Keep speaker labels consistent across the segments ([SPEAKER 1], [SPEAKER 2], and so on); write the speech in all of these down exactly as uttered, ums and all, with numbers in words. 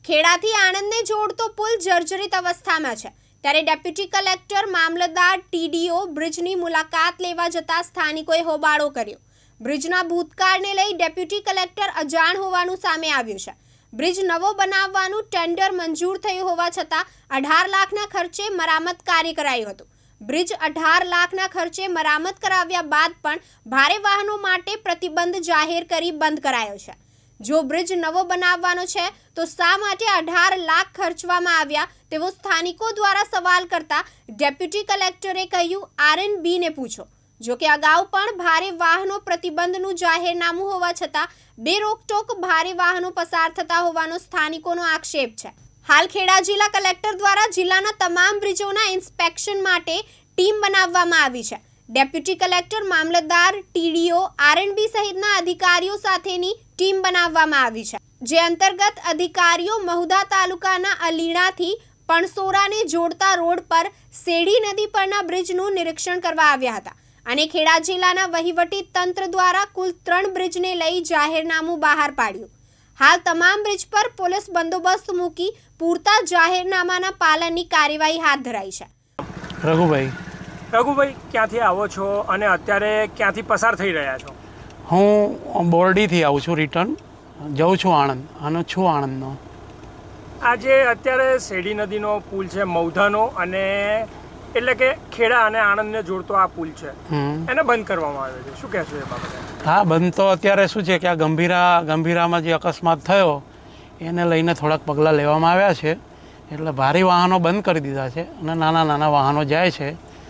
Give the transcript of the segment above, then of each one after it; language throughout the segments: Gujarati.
[SPEAKER 1] ખેડાથી આણંદને જોડતો પુલ જર્જરિત અવસ્થામાં છે ત્યારે ડેપ્યુટી કલેક્ટર મામલતદાર ટીડીઓ બ્રિજની મુલાકાત લેવા જતા સ્થાનિકોએ હોબાળો કર્યો। બ્રિજના ભૂતકાળને લઈ ડેપ્યુટી કલેક્ટર અજાણ હોવાનું સામે આવ્યું છે। બ્રિજ નવો બનાવવાનું ટેન્ડર મંજૂર થયું હોવા છતાં અઢાર લાખના ખર્ચે મરામત કાર્ય કરાયું હતું। બ્રિજ અઢાર લાખના ખર્ચે મરામત કરાવ્યા બાદ પણ ભારે વાહનો માટે પ્રતિબંધ જાહેર કરી બંધ કરાયો છે। જો બ્રિજ નવો બનાવવાનો છે તો શા માટે અઢાર લાખ ખર્ચવામાં આવ્યા તેવો સ્થાનિકો દ્વારા સવાલ કરતા ડેપ્યુટી કલેક્ટરે કહ્યું આરએનબી ને પૂછો। જો કે અગાઉ પણ ભારે વાહનો પ્રતિબંધનું જાહેરનામું હોવા છતાં બે રોકટોક ભારે વાહનો પસાર થતા હોવાનો સ્થાનિકોનો આક્ષેપ છે। હાલ ખેડા જિલ્લા કલેક્ટર દ્વારા જિલ્લાના તમામ બ્રિજોના ઇન્સ્પેક્શન માટે ટીમ બનાવવામાં આવી છે। ડેપ્યુટી કલેક્ટર મામલતદાર ટીડીઓ આરએનબી સહિતના અધિકારીઓ સાથેની ટીમ બનાવવામાં આવી છે, જે અંતર્ગત અધિકારીઓ મહુધા તાલુકાના અલીણાથી પણસોરાને જોડતા રોડ પર શેડી નદી પરના બ્રિજનું નિરીક્ષણ કરવા આવ્યા હતા અને ખેડા જિલ્લાના વહીવટી તંત્ર દ્વારા કુલ ત્રણ બ્રિજને લઈ જાહેરનામું બહાર પાડ્યું। હાલ તમામ બ્રિજ પર પોલીસ બંદોબસ્ત મૂકી પૂરતા જાહેરનામાના પાલનની કાર્યવાહી હાથ ધરાઈ છે।
[SPEAKER 2] રઘુભાઈ
[SPEAKER 3] રઘુભાઈ ક્યાંથી આવો છો અને અત્યારે ક્યાંથી પસાર થઈ રહ્યા છો?
[SPEAKER 2] હું બોરડીથી આવું છું, રિટર્ન જાઉં છું આણંદ અને છું આણંદનો।
[SPEAKER 3] આજે અત્યારે શેડી નદીનો પુલ છે મહુધાનો, અને એટલે કે ખેડા અને આણંદને જોડતો આ પુલ છે, એને બંધ કરવામાં આવ્યો છે, શું કહેશો એ બાબતે?
[SPEAKER 2] હા, બંધ તો અત્યારે શું છે કે આ ગંભીરા ગંભીરામાં જે અકસ્માત થયો એને લઈને થોડાક પગલાં લેવામાં આવ્યા છે, એટલે ભારે વાહનો બંધ કરી દીધા છે અને નાના નાના વાહનો જાય છે।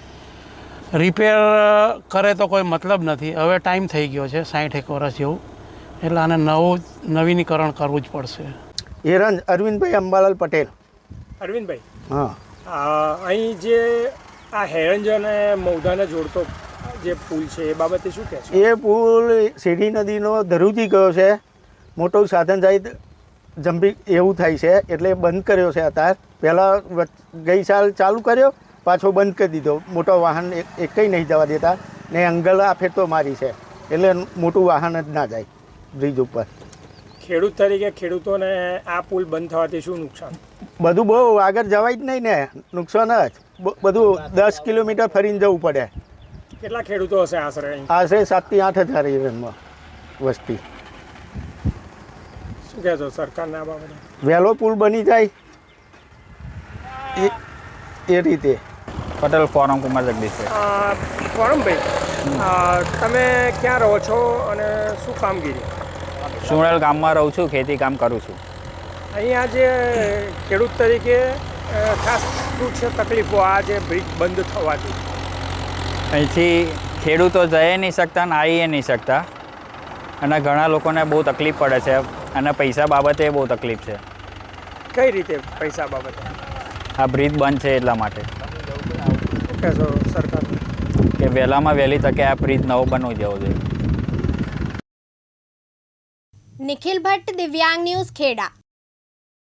[SPEAKER 2] રિપેર કરે તો કોઈ મતલબ નથી, હવે ટાઈમ થઈ ગયો છે સાઠ એક વર્ષ જેવું, એટલે આને નવું નવીનીકરણ કરવું જ પડશે।
[SPEAKER 4] હિરંજ અરવિંદભાઈ અંબાલાલ પટેલ।
[SPEAKER 3] અરવિંદભાઈ,
[SPEAKER 4] હા,
[SPEAKER 3] અહીં જે આ હેરંજ અને મહુધાને જોડતો જે પુલ છે એ બાબતે શું કહેશો?
[SPEAKER 4] એ પુલ શેડી નદીનો ધરુજી ગયો છે, મોટું સાધન સહિત જંભી એવું થાય છે એટલે બંધ કર્યો છે અત્યારે। પહેલાં ગઈ સાલ ચાલુ કર્યો, પાછો બંધ કરી દીધો, મોટો વાહન એક કંઈ નહીં જવા દેતા ને અંગલ આ ફેરતો મારી છે એટલે મોટું વાહન જ ના જાય બ્રિજ ઉપર।
[SPEAKER 3] ખેડૂત તરીકે ખેડૂતોને આ પુલ બંધ થવાથી શું નુકસાન?
[SPEAKER 4] બધું બહુ આગળ જવાય જ નહીં ને, નુકસાન જ બધું દસ કિલોમીટર ફરીને જવું પડે।
[SPEAKER 3] કેટલા ખેડૂતો હશે આશરે?
[SPEAKER 4] આશરે સાતથી આઠ હજાર હિરણમાં વસ્તી।
[SPEAKER 3] શું કહેશો સરકારને આ બાબતે?
[SPEAKER 4] વહેલો પુલ બની જાય એ એ રીતે।
[SPEAKER 5] પટેલ ફોરમ કુમાર જગદીશ।
[SPEAKER 3] ફોરમભાઈ, તમે ક્યાં રહો છો અને શું કામગીરી?
[SPEAKER 5] સુણેલ ગામમાં રહું છું, ખેતી કામ કરું છું।
[SPEAKER 3] અહીંયા જે ખેડૂત તરીકે ખાસ શું છે તકલીફો આ જે બ્રિજ બંધ થવાથી?
[SPEAKER 5] અહીંથી ખેડૂતો જઈ નહીં શકતા ને આવી નહીં શકતા, અને ઘણા લોકોને બહુ તકલીફ પડે છે, અને પૈસા બાબતે બહુ તકલીફ છે।
[SPEAKER 3] કઈ રીતે પૈસા બાબતે?
[SPEAKER 5] આ બ્રિજ બંધ છે એટલા માટે।
[SPEAKER 3] શું કહેશો સરકાર
[SPEAKER 5] કે વહેલામાં વહેલી તકે આ બ્રિજ નવો બનવું જવો જોઈએ।
[SPEAKER 1] નિખિલ ભટ્ટ, દિવ્યાંગ ન્યૂઝ, ખેડા।